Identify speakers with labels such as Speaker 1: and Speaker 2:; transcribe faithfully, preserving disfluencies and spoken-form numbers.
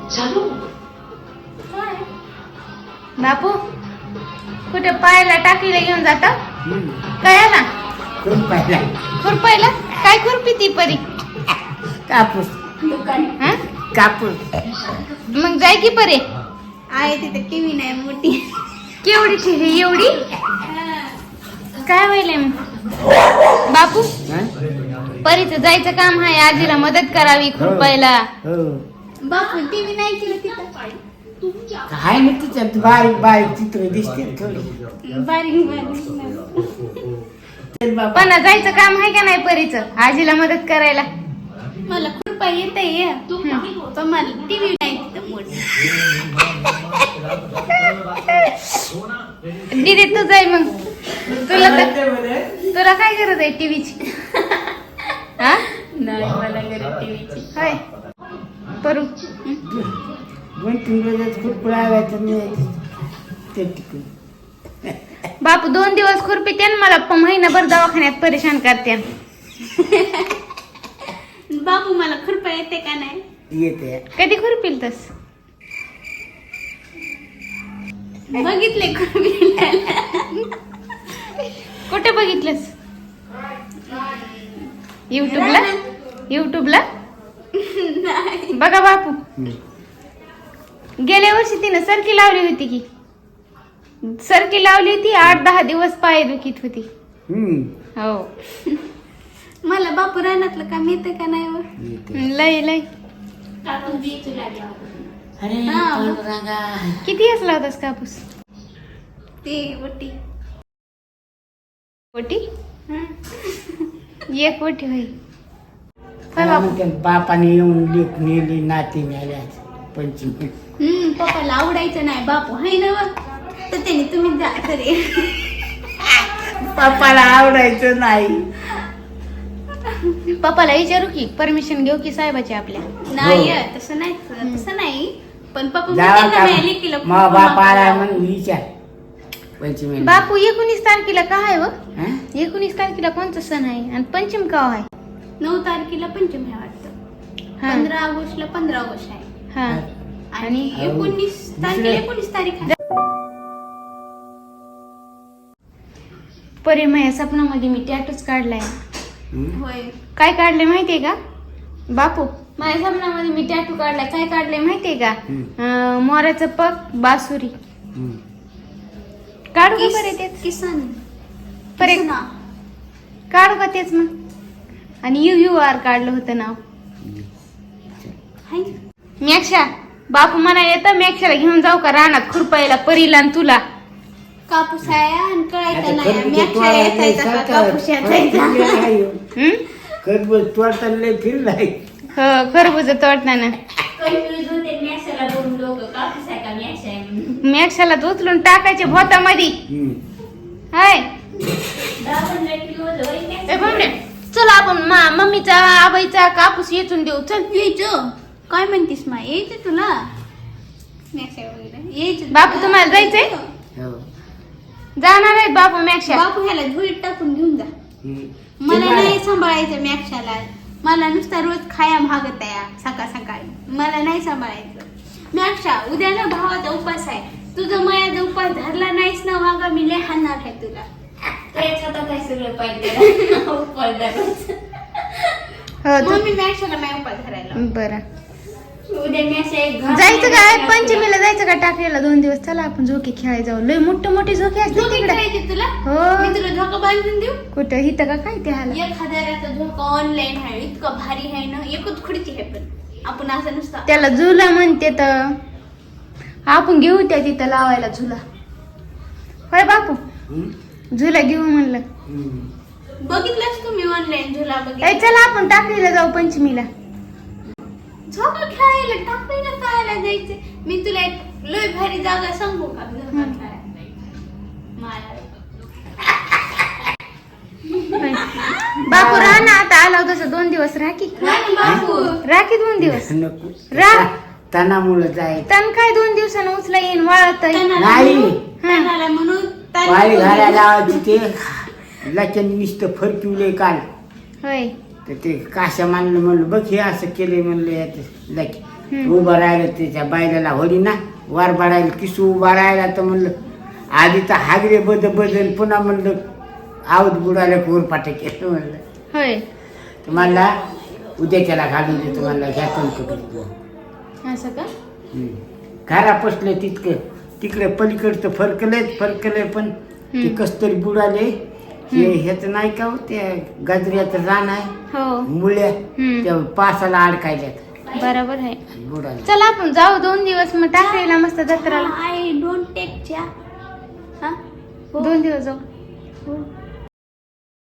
Speaker 1: बापू कुठे पायाला टाकीला घेऊन जाता काय ना
Speaker 2: खुरपायला
Speaker 1: खुरपायला काय खुरपी ती परी
Speaker 2: कापूस
Speaker 1: हा
Speaker 2: कापूस
Speaker 1: मग जाय की परे
Speaker 3: आहे तिथे टीव्ही नाही मोठी
Speaker 1: केवढी ठेवी एवढी काय व्हायलंय मग बापू परीचं जायचं काम आहे आजीला मदत करावी खुरपायला
Speaker 2: हो
Speaker 3: बापू टीव्ही नाही केलं तिथं
Speaker 2: आहे ना तिच्यात बारीक बारीक चित्र दिसते थोडी
Speaker 3: बारीक बारीक
Speaker 1: पण जायचं काम आहे का नाही परीचं आजीला मदत करायला
Speaker 3: मला खुरपा येत आहे पण मला टीव्ही नाही तिथं मोठी
Speaker 1: दीदी तू जाय मग तुला तर तुला काय गरज आहे टीव्हीची हा
Speaker 3: नाही मला गरज टीव्हीची
Speaker 1: होय परू
Speaker 2: दोन तीन वेळेस खुरपडायचं नाही ते टिकून
Speaker 1: बापू दोन दिवस खुरपीते मला प- महिनाभर दवाखान्यात परेशान करते
Speaker 3: बापू मला खुरपा येते का नाही
Speaker 2: येते
Speaker 1: कधी खुरपील तस
Speaker 3: बघितले खुरपीला
Speaker 1: कुठे बघितलंस युट्यूबला युट्यूबला बघा बापू गेल्या वर्षी तिनं सरकी लावली होती की सरकी लावली होती आठ दहा दिवस पाय दुखीत होती हो
Speaker 3: मला बापू रानातलं काम येतं का नाही व?
Speaker 1: लय लय
Speaker 2: अरे
Speaker 3: हा.
Speaker 2: पांडुरंगा.
Speaker 1: किती असला होतास कापूस
Speaker 3: ते वटी
Speaker 1: कोटी
Speaker 3: हं.
Speaker 1: एक कोटी होई होय
Speaker 2: मला
Speaker 1: बापू
Speaker 2: म्हणते, बापाने येऊन लेख नेली नाती नेल्या पंचमी
Speaker 3: हम्म पप्पाला आवडायचं नाही बापू हाय ना व? तर त्याने तुम्ही जा तरी
Speaker 2: बापाला आवडायचं नाही
Speaker 1: पप्पाला विचारू की परमिशन घेऊ की साहेबाची आपल्या
Speaker 3: नाही तसं नाही तसं नाही पण पप्पा
Speaker 2: जावा
Speaker 3: म्हणते
Speaker 2: का
Speaker 3: ना, नाही लेकीला
Speaker 2: मग
Speaker 3: खूप
Speaker 2: बाप आला
Speaker 3: मागतो.
Speaker 2: म्हणून विचार पंचमी
Speaker 1: बापू एकोणीस तारखेला का आहे व
Speaker 2: हं?
Speaker 1: एकोणीस तारखेला कोणता सण आहे आणि पंचम का आहे
Speaker 3: नऊ तारखेला पंचमी आहे वाटतं
Speaker 1: हा.
Speaker 3: पंधरा ऑगस्टला पंधरा ऑगस्ट आहे
Speaker 1: हा
Speaker 3: आणि
Speaker 1: आणि
Speaker 3: एकोणीस तारखेला एकोणीस तारीख आहे
Speaker 1: परी माझ्या स्वप्नामध्ये मी टॅटूच काढलाय
Speaker 2: हं?
Speaker 3: होय
Speaker 1: काय काढले माहितीये का बापू माझ्या स्वप्नामध्ये मी टॅटू काढलाय काय काढले माहितीये का
Speaker 2: हं.
Speaker 1: अं, मोराचं पग बासुरी
Speaker 2: हं.
Speaker 1: काढू का
Speaker 3: किस-
Speaker 1: बरे तेच
Speaker 3: किसन
Speaker 1: परे
Speaker 3: किसना.
Speaker 1: काढू का तेच मग आणि यू यू आर काढलं होतं नाव
Speaker 3: हाय.
Speaker 1: मॅक्षा बापू म्हणा येतं मॅक्षाला घेऊन जाऊ का रानात खुरपायला परीला आणि तुला
Speaker 3: कापूस आहे आणि
Speaker 2: आता
Speaker 3: कळायचं नाही
Speaker 2: खरबूज
Speaker 3: मी अक्षर
Speaker 2: तोडायला
Speaker 3: यायचा का
Speaker 2: सारखा
Speaker 3: कापूस यायचा
Speaker 2: आहे.
Speaker 1: हम्म
Speaker 2: खरबूज तोडताना लय फिरलाय
Speaker 1: हो खरबूज तोडताना
Speaker 3: कन्फ्युज होते मॅक्सला दोन लोक कापूस आहे का मॅक्स आहे म्हणून.
Speaker 1: मॅक्षाला उचलून टाकायचे भोतामध्ये
Speaker 2: हं.
Speaker 1: हाय
Speaker 3: दहा पंधरा किलो होतं होय मॅक्स.
Speaker 1: ए भावड्या, चल आपण मा मम्मीचा आबाईचा कापूस येचून देऊ चल
Speaker 3: यायचं काय म्हणतीस मा यायचं तुला मॅक्स आहे वगैरे यायचं
Speaker 1: बापू, तुम्हाला जायचंय?
Speaker 2: हो.
Speaker 1: जाणार आहेत बापू मॅक्षा
Speaker 3: बापू ह्याला धुळीत टाकून घेऊन जा
Speaker 2: हं.
Speaker 3: मला
Speaker 2: ते
Speaker 3: नाही सांभाळायचं मॅक्षाला मला नुसता रोज खाया भागत आहे सकाळ सकाळी मला नाही सांभाळायचं मॅक्षा उद्या ना भावाचा उपास आहे तुझं मायाचा उपास धरला नाहीस ना वागा मी लय हाणणार आहे तुला
Speaker 1: हो तू-
Speaker 3: मग मी मॅक्षाला माय उपास धरायला
Speaker 1: बरं
Speaker 3: उद्या मॅक्ष एक घास
Speaker 1: जायचं
Speaker 3: नाही
Speaker 1: काय
Speaker 3: देणार
Speaker 1: पंचमीला जायचं का टाकलेला दोन दिवस चला आपण झोके खेळायला जाऊ लय मोठे मोठे झोके
Speaker 3: तुला.
Speaker 1: असतात
Speaker 3: झोका
Speaker 1: तिकडे
Speaker 3: खेळायचे तुला
Speaker 1: हो.
Speaker 3: मी तुला झोका बांधून देऊ
Speaker 1: कुठं हिथं का काय ते हाला
Speaker 3: एक हजाराचा झोका ऑनलाईन आहे इतकं भारी आहे ना एकच खुर्ची आहे पण आपण असं नुसतं
Speaker 1: त्याला झुला म्हणते तर आपण घेऊ त्या तिथं लावायला झुला होय बापू
Speaker 2: हं?
Speaker 1: झुला घेऊ म्हणलं
Speaker 2: हं.
Speaker 3: बघितलंच तुम्ही ऑनलाईन झुला
Speaker 1: ए
Speaker 3: बघितला
Speaker 1: चला आपण टाकलेला जाऊ पंचमीला
Speaker 3: झोका खेळायला टाकलेलं खेळायला जायचं मी तुला एक लय भारी जागा सांगू का झोका खेळायला मला
Speaker 1: होय. बापू राहा ना आता आला होता तसं दोन दिवस राखी
Speaker 3: नाही बापू
Speaker 1: राखी दोन दिवस
Speaker 2: नको
Speaker 1: रा-
Speaker 2: तणामुळं जायचं
Speaker 1: तन काय दोन दिवसानं उचला येईन वाळत
Speaker 3: तणाला
Speaker 2: नाही.
Speaker 3: म्हणून- तणाला म्हणून तण
Speaker 2: पाळी
Speaker 3: करून
Speaker 2: घालायला
Speaker 3: दिलं.
Speaker 2: लावायची ते लचन नुसतं फरकिवले काल
Speaker 1: होय
Speaker 2: तर ते काशा मानलं म्हणलं बघ हे असं केलंय म्हणलं याचं लच
Speaker 1: हम्म.
Speaker 2: उभा राहिला त्याच्या बायलाला होली ना वार बाळायला किसू उभा राहिला तर म्हणलं आधी तर हागरे बद बदल पुन्हा म्हणलं आवत बुडायला कोर पाटे केलं म्हणलं
Speaker 1: होय
Speaker 2: तर मला उद्याच्याला घालून देतो मला घ्या कणकं
Speaker 1: असं का
Speaker 2: घरा पसलं तितकं तिकडे पलीकडचं फरकलंय फरकलंय पण ते
Speaker 1: हम्म.
Speaker 2: कस्तरी बुडाले हे ह्याच नाही का हो, त्या गाजऱ्याचं रान आहे
Speaker 1: हो
Speaker 2: मुळ्या
Speaker 1: हम्म.
Speaker 2: त्या पासाला अडकायल्यात
Speaker 1: बरोबर आहे
Speaker 2: बुडाले
Speaker 1: चला आपण जाऊ दोन दिवस मग टाकायला मस्त जत्राला
Speaker 3: आय डोंट टेक च्या हा हो.
Speaker 1: दोन दिवस जाऊ
Speaker 3: हो.